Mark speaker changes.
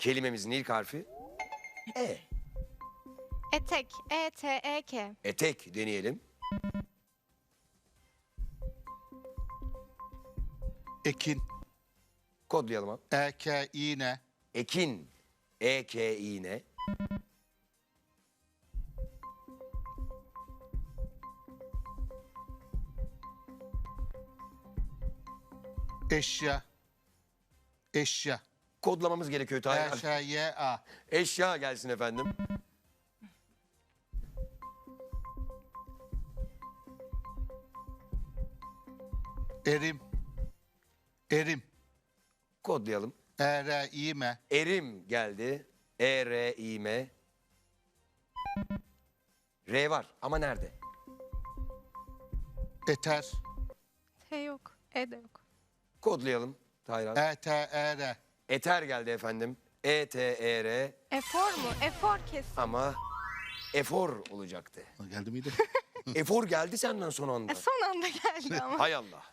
Speaker 1: Kelimemizin ilk harfi E.
Speaker 2: Etek. E-T-E-K.
Speaker 1: Etek deneyelim.
Speaker 3: Ekin.
Speaker 1: Kodlayalım abi.
Speaker 3: Eke, iğne.
Speaker 1: Ekin. E-K-İ-N.
Speaker 3: Eşya. Eşya.
Speaker 1: Kodlamamız gerekiyor Tahir abi.
Speaker 3: Eşya.
Speaker 1: Eşya gelsin efendim.
Speaker 3: Erim. Erim.
Speaker 1: Kodlayalım.
Speaker 3: Ere, iğme.
Speaker 1: Erim geldi. E-R-İ-M. R var ama nerede?
Speaker 3: Eter.
Speaker 2: T yok. E de yok.
Speaker 1: Kodlayalım Tahir abi.
Speaker 3: E-T-E-R.
Speaker 1: Eter geldi efendim. E-T-E-R
Speaker 2: Efor mu? Efor kesin.
Speaker 1: ama efor olacaktı.
Speaker 3: Geldi miydi?
Speaker 1: Efor geldi senden son anda.
Speaker 2: Son anda geldi ama.
Speaker 1: Hay Allah.